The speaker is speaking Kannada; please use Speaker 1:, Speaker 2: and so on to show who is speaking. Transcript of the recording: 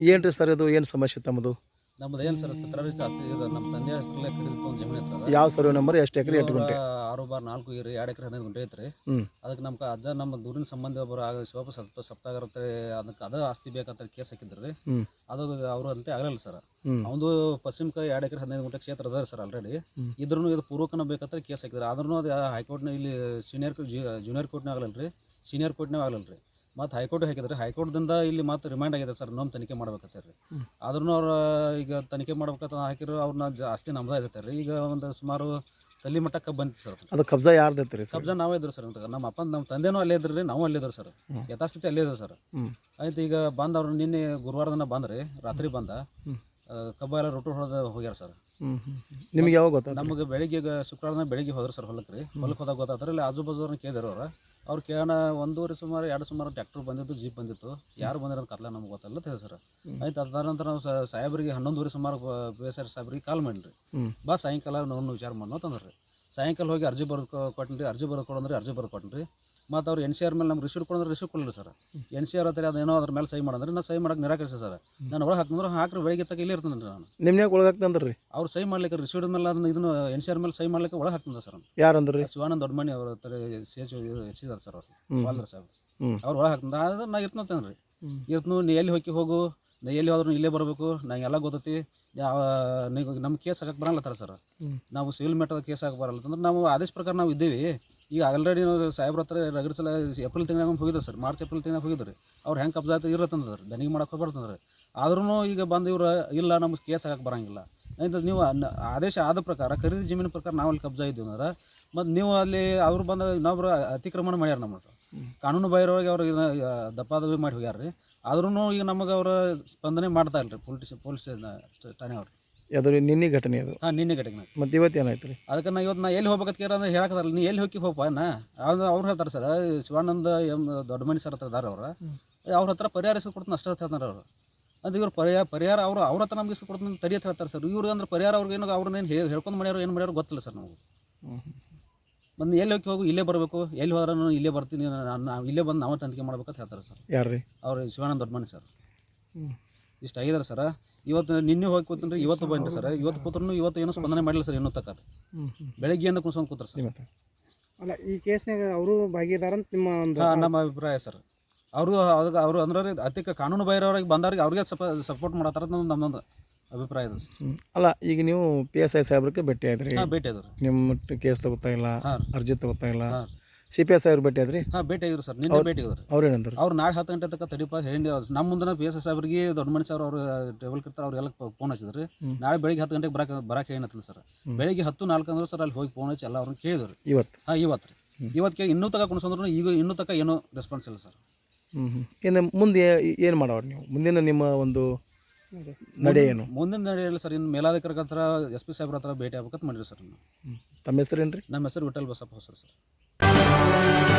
Speaker 1: ಏನು ರೀ ಸರ್ ಇದು ಏನು ಸಮಸ್ಯೆ ತಮ್ಮದು?
Speaker 2: ನಮ್ದು ಏನು ಸರ್ ಚಿತ್ರರಿ ಜಾಸ್ತಿ ಇದು ನಮ್ಮ ತಂದೆ ಹೆಸರಲ್ಲೇ ಕಡಿದಿತ್ತು ಒಂದು ಜಮೀನು ಇರ್ತದೆ.
Speaker 1: ಯಾವ ಸರ್ವೆ ನಂಬರ್, ಎಷ್ಟು ಎಕರೆ, 8 ಗುಂಟೆ?
Speaker 2: 6/4 2 ಎಕರೆ 15 ಗುಂಟೆ ಐತ್ರಿ. ಅದಕ್ಕೆ ನಮ್ಮ ಅಜ್ಜ ನಮ್ಮ ದೂರಿನ ಸಂಬಂಧ ಒಬ್ಬರು ಆಗ ಶಿವಪ್ಪ ಸಪ್ತಾಗರತ್ತೆ ಅದಕ್ಕೆ ಅದ ಆಸ್ತಿ ಬೇಕಂತ ಕೇಸ್ ಹಾಕಿದ್ರಿ. ಅದು ಅವರು ಅಂತೆ ಆಗಲಿಲ್ಲ ಸರ್. ಅವನು ಪಶ್ಚಿಮಕ 2 ಎಕರೆ 15 ಗುಂಟೆ ಕ್ಷೇತ್ರ ಅದ ಸರ್ ಆಲ್ರೆಡಿ. ಇದ್ರೂ ಇದು ಪೂರ್ವಕನ ಬೇಕಂತ ಕೇಸ್ ಹಾಕಿದ್ರು. ಆದ್ರೂ ಅದು ಹೈಕೋರ್ಟ್ನ ಇಲ್ಲಿ ಜೂನಿಯರ್ ಕೋರ್ಟ್ನಾಗ ಆಗಲಿಲ್ಲ ರೀ, ಸೀನಿಯರ್ ಕೋರ್ಟ್ನಾಗ ಆಗಲಿಲ್ಲ ರೀ. ಮತ್ತು ಹೈಕೋರ್ಟ್ ಹಾಕಿದ್ರೆ ಹೈಕೋರ್ಟ್ದಿಂದ ಇಲ್ಲಿ ಮತ್ತೆ ರಿಮೈಂಡ್ ಆಗಿದೆ ಸರ್, ನಮ್ಮ ತನಿಖೆ ಮಾಡ್ಬೇಕಂತ ರೀ. ಆದ್ರೂ ಅವ್ರು ಈಗ ತನಿಖೆ ಮಾಡ್ಬೇಕಂತ ಹಾಕಿದ್ರು. ಅವ್ರನ್ನ ಜಾಸ್ತಿ ನಮ್ದು ಆಗತ್ತೆ ರೀ. ಈಗ ಒಂದು ಸುಮಾರು ತಲ್ಲಿ ಮಟ್ಟಕ್ಕೆ ಬಂತು ಸರ್.
Speaker 1: ಅದು ಕಬ್ಜಾ ಯಾರ್ದು ಐತೆ ರೀ?
Speaker 2: ಕಬ್ಜಾ ನಾವೇ ಇದ್ರು ಸರ್. ನಮ್ಮ ಅಪ್ಪ ನಮ್ಮ ತಂದೆನೂ ಅಲ್ಲೇ ಇದ್ರು ರೀ, ನಾವು ಅಲ್ಲೇ ಇದ್ರು ಸರ್. ಯಥಾಸ್ಥಿತಿ ಅಲ್ಲೇ ಇದ್ರು ಸರ್. ಆಯ್ತು, ಈಗ ಬಂದು ಅವ್ರು ನಿನ್ನೆ ಗುರುವಾರ ದಿನ ಬಂದ್ರಿ, ರಾತ್ರಿ ಬಂದ ಕಬ್ಬ ಎಲ್ಲ ರೊಟ್ಟು ಹೊಡೆದು ಹೋಗ್ಯಾರ ಸರ್.
Speaker 1: ನಿಮ್ಗೆ ಯಾವಾಗ ಗೊತ್ತಾ?
Speaker 2: ನಮಗೆ ಬೆಳಿಗ್ಗೆ ಶುಕ್ರವಾರ ಬೆಳಿಗ್ಗೆ ಹೋದ್ರು ಸರ್ ಹೊಲಕ್ಕೆ ರೀ. ಹೊಲಕ್ಕೆ ಹೋದಾಗ ಗೊತ್ತಾದ್ರೆ ಇಲ್ಲಿ ಆಜು ಬಾಜು ಅವ್ರನ್ನ ಕೇಳಿದ್ರು. ಅವ್ರು ಕೇಳೋಣ 1 ಸುಮಾರು 2 ಸುಮಾರು ಟ್ಯಾಕ್ಟರ್ ಬಂದಿತ್ತು, ಜೀಪ್ ಬಂದಿತ್ತು. ಯಾರು ಬಂದಿರೋದು ಕತ್ಲ ನಮ್ಗೆ ಗೊತ್ತಲ್ಲ ಅಂತ ಹೇಳಿ ಸರ್. ಆಯ್ತು, ಅದಾದ ನಂತರ ನಾವು ಸಾಹೇಬ್ರಿಗೆ 11 ಸುಮಾರು PSI ಸಾಹೇಬ್ರಿಗೆ ಕಾಲ್ ಮಾಡಿರಿ. ಬಾ ಸಾಯಂಕಾಲ ನೋವು ವಿಚಾರ ಮಾಡೋ ತಂದ್ರಿ. ಸಾಯಂಕಾಲ ಹೋಗಿ ಅರ್ಜಿ ಬರೆದು ಕೊಟ್ಟಿರಿ. ಅರ್ಜಿ ಬರೆದು ಕೊಡಂದ್ರೆ ಅರ್ಜಿ ಬರೆದು ಕೊಟ್ಟಿರಿ. ಮತ್ತು ಅವ್ರು NCR ಮೇಲೆ ನಮ್ಗೆ ರಿಸೀಟ್ ಕೊಡಂದ್ರೆ ರಿಸೀಟ್ ಕೊಡಲಿಲ್ಲ ಸರ್. NCR ಹತ್ತಿರ ಅದೇನೋ ಅದ್ರ ಮೇಲೆ ಸಹಿ ಮಾಡಂದ್ರೆ ನಾನು ಸಹಿ ಮಾಡಕ್ಕೆ ನಿರಾಕರಿಸಿ ಸರ್. ನಾನು ಒಳಗೆ ಹಾಕಿದ್ರೆ ಹಾಕ್ರಿ, ಬೆಳಿಗ್ಗೆ ತಗ ಇಲ್ಲೇ ಇರ್ತೇನೆ ನಾನು.
Speaker 1: ನಿಮ್ಗೆ ಒಳಗೆ ಹಾಕ್ತಂದ್ರಿ ರೀ? ಅವ್ರು
Speaker 2: ಸಹಿ ಮಾಡ್ಲಿಕ್ಕೆ ರಿಸೀಟ್ ಮೇಲೆ ಅದನ್ನ ಇದನ್ನು NCR ಮೇಲೆ ಸಹಿ ಮಾಡ್ಲಿಕ್ಕೆ ಒಳಗೆ ಹಾಕ್ತಂದ್ರೆ ಸರ್.
Speaker 1: ಯಾರಂದ್ರಿ?
Speaker 2: ಶಿವಾನಂದ ದೊಡ್ಡಮನಿ ಅವ್ರ ಹತ್ರ ಹೆಚ್ಚಿದಾರೆ ಸರ್. ಅವರು ವಾಲ್ದರ್ ಸಾಹೇಬ್ ಅವ್ರು ಒಳಗೆ ಹಾಕ್ತಂದ್ರೆ ಅದು ನಾ ಇರ್ತೇನೆ ರೀ. ಇರ್ತನು ನೀ ಎಲ್ಲಿ ಹೋಗಿ ನಾ ಎಲ್ಲಿ ಹೋದ್ರೂ ಇಲ್ಲೇ ಬರಬೇಕು, ನಂಗೆ ಎಲ್ಲ ಗೊತ್ತೈತಿ. ನಮ್ಮ ಕೇಸ್ ಹಾಕಕ್ಕೆ ಬರಲ್ಲತ್ತಾರ ಸರ್. ನಾವು ಸಿವಿಲ್ ಮ್ಯಾಟರ್ ಕೇಸ್ ಹಾಕಿ ಬರಲ್ಲ ಅಂದ್ರೆ ನಾವು ಆದೇಶ ಪ್ರಕಾರ ನಾವು ಇದ್ದೀವಿ. ಈಗ ಆಲ್ರೆಡಿ ನಾವು ಸಾಹೇಬ್ರ ಹತ್ರ ರಗಡ್ ಸಲ ಏಪ್ರಿಲ್ ತಿಂಗಳಾಗ ಹೋಗಿದ್ರು ಸರ್. ಮಾರ್ಚ್ ಏಪ್ರಿಲ್ ತಿಂಗಳಾಗ ಹೋಗಿದ್ರು. ಅವ್ರು ಹೆಂಗೆ ಕಬ್ಜಾ ಆಯ್ತು ಇರತ್ತಂದ್ರೆ ದನಿಗೆ ಮಾಡಕ್ಕೆ ಹೋಗ್ಬಾರ್ದಂದ್ರೆ. ಆದ್ರೂ ಈಗ ಬಂದು ಇವ್ರು ಇಲ್ಲ ನಮ್ಗೆ ಕೇಸ್ ಹಾಕಕ್ಕೆ ಬರೋಂಗಿಲ್ಲ ಅಂತ. ನೀವು ಆದೇಶ ಆದ ಪ್ರಕಾರ ಖರೀದಿ ಜಮೀನು ಪ್ರಕಾರ ನಾವು ಅಲ್ಲಿ ಕಬ್ಜಾ ಇದ್ದೀವಿ ಅಂದ್ರೆ ಮತ್ತು ನೀವು ಅಲ್ಲಿ ಅವ್ರು ಬಂದ ಇನ್ನೊಬ್ರು ಅತಿಕ್ರಮಣ ಮಾಡ್ಯಾರ. ನಮ್ಮ ಕಾನೂನು ಬಾಹಿರವಾಗಿ ಅವ್ರು ದಪ್ಪಾದವಿ ಮಾಡಿ ಹೋಗ್ಯಾರ ರೀ. ಆದ್ರೂ ಈಗ ನಮಗೆ ಅವರು ಸ್ಪಂದನೆ ಮಾಡ್ತಾ ಇಲ್ಲ ರೀ ಪೊಲೀಸ್ ಠಾಣೆ ಅವ್ರು.
Speaker 1: ಅದು ನಿನ್ನೆ ಘಟನೆ ಅದು?
Speaker 2: ಹಾಂ, ನಿನ್ನೆ ಘಟನೆ.
Speaker 1: ಮತ್ತು ಇವತ್ತು ಏನಾಯ್ತು ರೀ?
Speaker 2: ಅದಕ್ಕೆ ನಾ ಇವತ್ತು ಎಲ್ಲಿ ಹೋಗ್ಬೇಕಂತ ಕೇಳ ಅಂದ್ರೆ ಹೇಳಕ್ಕಲ್ಲ. ನೀ ಎಲ್ಲಿ ಹೋಗಪ್ಪ ಅವ್ರು ಹೇಳ್ತಾರೆ ಸರ್. ಶಿವಾನಂದ ದೊಡ್ಡಮನಿ ಸರ್ ಹತ್ರ ಇದಾರೆ ಅವ್ರು. ಅವ್ರ ಹತ್ರ ಪರಿಹಾರ ಇಸ್ದು ಕೊಡ್ತಾನೆ ಅಷ್ಟೇ ಹೇಳ್ತಾರೆ ಅವರು. ಅದು ಇವ್ರು ಪರಿಹಾರ ಅವ್ರ ಹತ್ರ ನಮ್ಗೆ ಇಸ್ದು ಕೊಡ್ತಾನೆ ತಡಿಯತ್ತೆ ಹೇಳ್ತಾರೆ ಸರ್. ಇವ್ರಿಗೆ ಅಂದ್ರೆ ಪರಿಹಾರ ಅವ್ರಿಗೆ ಏನೋ ಅವ್ರನ್ನೇನು ಹೇಳ್ಕೊಂಡು ಮಾಡ್ಯಾರೋ ಏನು ಮಾಡ್ಯಾರೋ ಗೊತ್ತಿಲ್ಲ ಸರ್ ನಮಗೆ. ಬಂದು ಎಲ್ಲಿ ಹೋಗಿ ಇಲ್ಲೇ ಬರಬೇಕು, ಎಲ್ಲಿ ಹೋದ್ರೆ ನಾನು ಇಲ್ಲೇ ಬರ್ತೀನಿ, ನಾವು ಇಲ್ಲೇ ಬಂದು ನಾವು ತನಿಖೆ ಮಾಡ್ಬೇಕಂತ ಹೇಳ್ತಾರೆ ಸರ್.
Speaker 1: ಯಾರು ರೀ?
Speaker 2: ಅವ್ರು ಶಿವಾನಂದ ದೊಡ್ಡಮನಿ ಸರ್. ಇಷ್ಟು ಆಗಿದ್ದಾರೆ ಸರ್. ಇವತ್ತು ನಿನ್ನೆ ಹೋಗಿ ಕೂತ್ರಿ, ಇವತ್ತು ಬಂದ್ರಿ ಸರ್. ಇವತ್ತು ಕೂತ್ರು ಇವತ್ತು ಏನೂ ಸ್ಪಂದನೆ ಮಾಡಿಲ್ಲ ಸರ್. ಇನ್ನೂ ತಕ್ಕ ಬೆಳಗ್ಗೆಯಿಂದ ಕುಣ್ಸ್ಕೊಂಡು ಕೂತ್ರು ಸರ್.
Speaker 3: ಅಲ್ಲ, ಈ ಕೇಸ್ನಾಗ ಅವರು ಭಾಗಿದಾರಂತ
Speaker 2: ನಮ್ಮ ಅಭಿಪ್ರಾಯ ಸರ್. ಅವರು ಅಂದ್ರೆ ಅತಿ ಕಾನೂನು ಬಾಹಿರವ್ರಿಗೆ ಬಂದವ್ರಿಗೆ ಅವ್ರಿಗೆ ಸಪೋರ್ಟ್ ಮಾಡತ್ತಾರ ನಮ್ಮದೊಂದು ಅಭಿಪ್ರಾಯ ಇದೆ ಸರ್.
Speaker 1: ಅಲ್ಲ, ಈಗ ನೀವು PSI ಸಾಹೇಬ್ರಿಗೆ ಭೇಟಿ ಆದ್ರಿ?
Speaker 2: ಭೇಟಿ ಆದ್ರು.
Speaker 1: ನಿಮ್ಮ ಕೇಸ್ ತಗೋತಾ ಇಲ್ಲ, ಅರ್ಜಿ ತಗೋತಾ ಇಲ್ಲ. CPI ಸಾಹೇಬ್ರು ಭೇಟಿ ಆದ್ರಿ?
Speaker 2: ಭೇಟಿ ಆಗಿದ್ರು ಸರ್. ನಿನ್ನೆ ಭೇಟಿ ಆಗಿದ್ರು.
Speaker 1: ಅವ್ರು ಏನಂದ್ರು?
Speaker 2: ಅವ್ರು ನಾಳೆ 10 ಗಂಟೆ ತನಕ ತಡಿಪ ಹೇಳಿ ನಮ್ಮ ಮುಂದೆ PSI ಸಾಹೇಬ್ರಿಗೆ ದೊಡ್ಡಮನಿ ಸರ್ ಅವರು ಟೇಬಲ್ ಕಿರ್ತಾರೆ. ಅವ್ರಿಗೆಲ್ಲ ಫೋನ್ ಹಚ್ಚಿದ್ರಿ. ನಾಳೆ ಬೆಳಿಗ್ಗೆ 10 ಗಂಟೆಗೆ ಬರಕ್ಕೆ ಏನತ್ತಲ್ಲ ಸರ್. ಬೆಳಿಗ್ಗೆ 10:04 ಅಂದ್ರೆ ಸರ್ ಅಲ್ಲಿ ಹೋಗಿ ಫೋನ್ ಹಚ್ಚಿ ಎಲ್ಲ ಅವ್ರನ್ನ ಕೇಳಿದ್ರು. ಇವತ್ತು ರೀ ಇವತ್ತು ಇನ್ನೂ ತಗ ಕುಣಿಸಂದ್ರು ಈಗ ಇನ್ನೂ ತಕ ಏನೂ ರೆಸ್ಪಾನ್ಸ್ ಇಲ್ಲ ಸರ್.
Speaker 1: ಇನ್ನು ಮುಂದೆ ಏನು ಮಾಡೋರು ನೀವು? ಮುಂದಿನ ನಿಮ್ಮ ಒಂದು ನಡೆ ಏನು?
Speaker 2: ಮುಂದಿನ ನಡೆಯಲ್ಲ ಸರ್. ಇನ್ನು ಮೇಲಾಧಿಕಾರಿ ಹತ್ರ SP ಸಾಹೇಬ್ರ ಹತ್ರ ಭೇಟಿ ಆಗ್ಬೇಕಂತ ಮಾಡಿರಿ ಸರ್.
Speaker 1: ತಮ್ಮ ಹೆಸರು ಏನು ರೀ?
Speaker 2: ನಮ್ಮ ಹೆಸರು ವಿಠಲ್ ಬಸಪ್ಪ ಹೊಸರು ಸರ್.